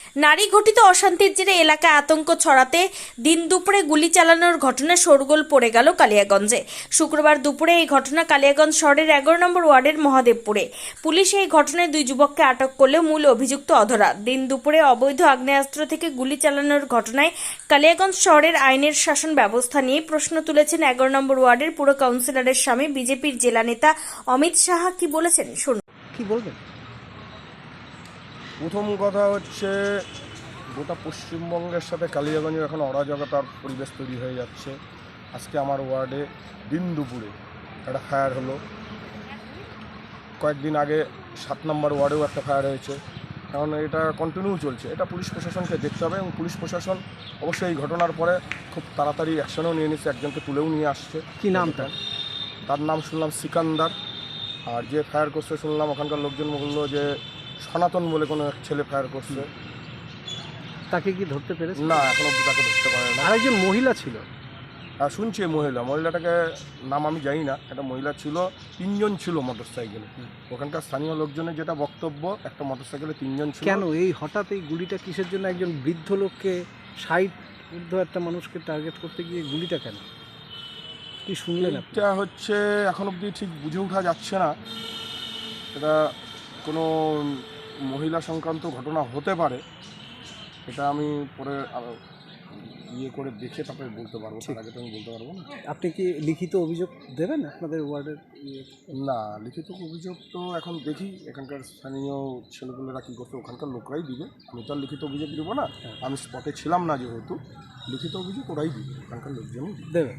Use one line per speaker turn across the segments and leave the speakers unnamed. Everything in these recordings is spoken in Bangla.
নারী ঘটিত অশান্তির জেরে এলাকায় আতঙ্ক ছড়াতে দিন দুপুরে গুলি চালানোর ঘটনা শোরগোল পড়ে গেল কালিয়াগঞ্জে। শুক্রবার দুপুরে এই ঘটনা কালিয়াগঞ্জ শহরের 11 নম্বর ওয়ার্ডের মহাদেবপুরে। পুলিশ এই ঘটনায় 2 যুবককে আটক করলেও মূল অভিযুক্ত অধরা। দিন দুপুরে অবৈধ আগ্নেয়াস্ত্র থেকে গুলি চালানোর ঘটনায় কালিয়াগঞ্জ শহরের আইনের শাসন ব্যবস্থা নিয়ে প্রশ্ন তুলেছেন 11 নম্বর ওয়ার্ডের পুর কাউন্সিলরের স্বামী বিজেপির জেলা নেতা অমিত সাহা। কি বলেছেন শুনুন।
কি বলবেন?
প্রথম কথা হচ্ছে, গোটা পশ্চিমবঙ্গের সাথে কালিয়াগঞ্জের এখন অরাজকতার পরিবেশ তৈরি হয়ে যাচ্ছে। আজকে আমার ওয়ার্ডে দিন দুপুরে একটা ফায়ার হলো। কয়েকদিন আগে 7 নম্বর ওয়ার্ডেও একটা ফায়ার হয়েছে। কারণ এটা কন্টিনিউ চলছে। এটা পুলিশ প্রশাসনকে দেখতে হবে এবং পুলিশ প্রশাসন অবশ্যই এই ঘটনার পরে খুব তাড়াতাড়ি অ্যাকশনও নিয়ে নিচ্ছে, একজনকে তুলেও নিয়ে আসছে।
কি নামটা?
তার নাম শুনলাম সিকান্দার। আর যে ফায়ার করছে শুনলাম ওখানকার লোকজন বললো যে সনাতন বলে কোনো এক ছেলে ফায়ার করছে।
তাকে কি ধরতে পেরেছে?
না, এখন অব্দি তাকে ধরতে পারে না।
আরেকজন মহিলা ছিল।
আর শুনছি মহিলাটাকে নাম আমি জানি না। একটা মহিলা ছিল, 3 জন ছিল মোটর সাইকেলে। ওখানকার স্থানীয় লোকজনের যেটা বক্তব্য, একটা মোটর সাইকেলে 3 জন ছিল।
কেন এই হঠাৎ এই গুলিটা কিসের জন্য? একজন বৃদ্ধ লোককে, 60 ঊর্ধ্ব একটা মানুষকে টার্গেট করতে গিয়ে গুলিটা কেন? কি শুনলেন আপনি?
এটা হচ্ছে এখন অবধি ঠিক বুঝে ওঠা যাচ্ছে না। এটা কোনো মহিলা সংক্রান্ত ঘটনা হতে পারে। এটা আমি পরে ইয়ে করে দেখে তারপরে বলতে পারবো। তার আগে তো আমি বলতে পারবো না।
আপনি কি লিখিত অভিযোগ দেবেন আপনাদের ওয়ার্ডের?
না, লিখিত অভিযোগ তো এখন দেখি এখানকার স্থানীয় ছেলেগুলোরা কী করছে, ওখানকার লোকরাই দিবে। আমি তো আর লিখিত অভিযোগ দেবো না। আমি স্পটে ছিলাম না যেহেতু, লিখিত অভিযোগ ওরাই দিবে, ওখানকার লোকজনই
দেবে।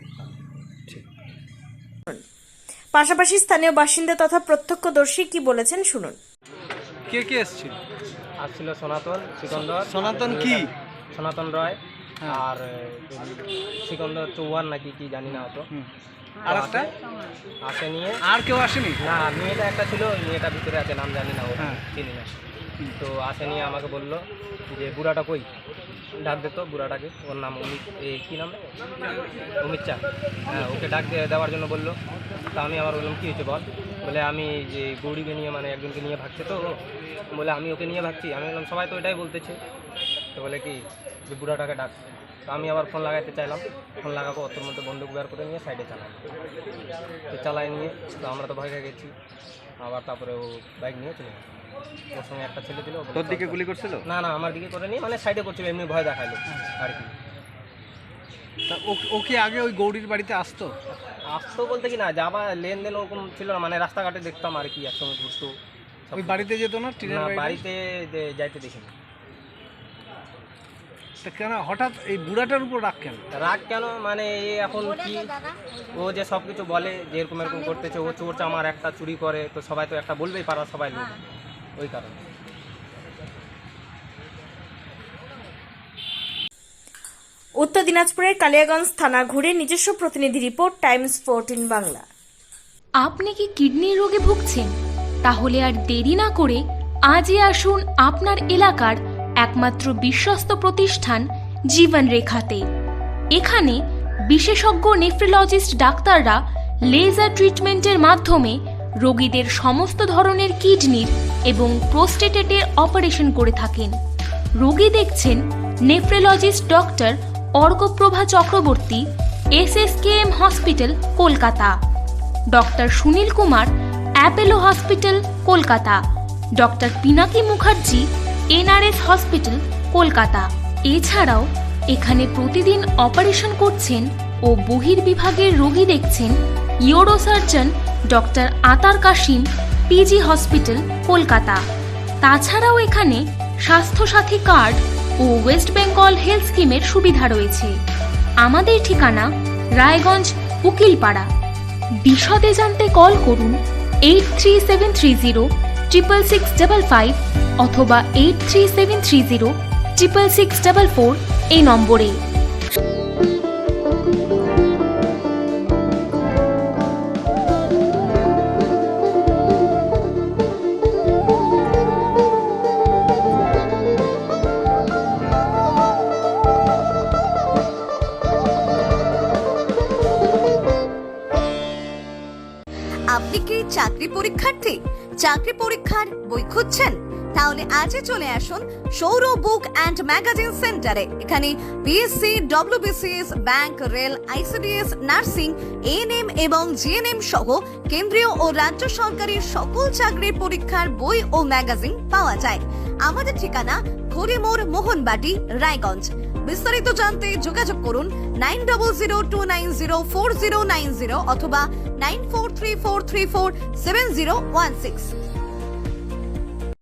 পাশাপাশি স্থানীয় বাসিন্দা তথা প্রত্যক্ষদর্শী কি বলেছেন শুনুন।
কে কে এসেছিল?
আসছিল সনাতন, সিকন্দর।
সনাতন কি?
সনাতন রয় আর সিকন্দর চৌহান নাকি কি জানি না হতো।
আর একটা
আসে নিয়ে
আর কেউ আসেনি?
না, মেয়েটা একটা ছিল, মেয়েটা ভিতরে আছে, নাম জানি না, ও
হ্যাঁ।
চিনি না। তো আসে নিয়ে আমাকে বললো যে বুড়াটা কই, ডাক দিত বুড়াটাকে। ওর নাম অমিত, এই কী নাম, অমিত চা। হ্যাঁ, ওকে ডাক দেওয়ার জন্য বললো। তা আমি আবার বললাম কী হয়েছে বল। বলে আমি যে গৌরীকে নিয়ে, মানে একজনকে নিয়ে ভাগছে, তো বলে আমি ওকে নিয়ে ভাগছি। আমি বললাম সবাই তো এটাই বলতেছে। তো বলে কি যে বুড়াটাকে ডাক। তো আমি আবার ফোন লাগাইতে চাইলাম, ফোন লাগাবো, ওর মধ্যে বন্দুক বের করে নিয়ে সাইডে চালাই। তো চালাই নিয়ে তো আমরা তো ভয় খেয়ে গেছি। আবার তারপরে ও বাইক নিয়ে চলে গেছে। ওর সঙ্গে একটা ছেলে ছিল।
তোর দিকে গুলি করছিল?
না না, আমার দিকে করে নিয়ে মানে সাইডে করছিল, এমনি ভয় দেখালো আর কি।
তা ও কি আগে ওই গৌরীর বাড়িতে আসতো?
আসতো বলতে কি না, যাবা লেনদেন ওরকম ছিল না, মানে রাস্তাঘাটে দেখতাম আর কি, একসঙ্গে ঘুরতো।
ওই বাড়িতে যেত না?
না, বাড়িতে যাইতে দেখিনি।
তা কেন হঠাৎ এই বুড়াটার উপর রাগ কেন?
রাগ কেন মানে এখন কি, ও যে সব কিছু বলে যে এরকম এরকম করতেছে, ও চোর চামার একটা চুরি করে, তো সবাই তো একটা বলবেই, পারা সবাই লোক, ওই কারণে।
উত্তর দিনাজপুরের কালিয়াগঞ্জ থানা ঘুরে নিজস্ব প্রতিনিধি রিপোর্ট, টাইমস 14 বাংলা।
আপনি কি কিডনির রোগে ভুগছেন? তাহলে আর দেরি না করে আজই আসুন আপনার এলাকার একমাত্র বিশ্বস্ত প্রতিষ্ঠান জীবন রেখাতে। এখানে বিশেষজ্ঞ নেফ্রোলজিস্ট ডাক্তাররা লেজার ট্রিটমেন্টের মাধ্যমে রোগীদের সমস্ত ধরনের কিডনির এবং প্রোস্টেটের অপারেশন করে থাকেন। রোগী দেখছেন nephrologist doctor Arkaprabha Chakraborty, SSKM hospital, Kolkata. Doctor Sunil Kumar, Apollo hospital, Kolkata. Doctor Pinaki Mukherjee, NRS hospital, Kolkata. এছাড়াও এখানে প্রতিদিন অপারেশন করছেন ও বহির্বিভাগের রোগী দেখছেন ইউরোসার্জন ডক্টর আতার কাশিম, PG হসপিটাল, কলকাতা। তাছাড়াও এখানে স্বাস্থ্যসাথী কার্ড ও ওয়েস্ট বেঙ্গল হেলথ স্কিমের সুবিধা রয়েছে। আমাদের ঠিকানা রায়গঞ্জ, উকিলপাড়া। বিশদে জানতে কল করুন 8373066655 অথবা 8373066644 এই নম্বরে।
আপনি কি চাকরি পরীক্ষার্থী? চাকরি পরীক্ষার বই খুঁজছেন? তাহলে আজই চলে আসুন সৌর বুক অ্যান্ড ম্যাগাজিন সেন্টারে। এখানে BSc, WBCS, bank, rail, ICDS, nursing, ANM এবং জিএনএম সহ কেন্দ্রীয় ও রাজ্য সরকারের সকল চাকরির পরীক্ষার বই ও ম্যাগাজিন পাওয়া যায়। আমাদের ঠিকানা খড়িমোড়, মোহনবাটি, রায়গঞ্জ। বিস্তারিত জানতে যোগাযোগ করুন 9002904090 অথবা 9434347016।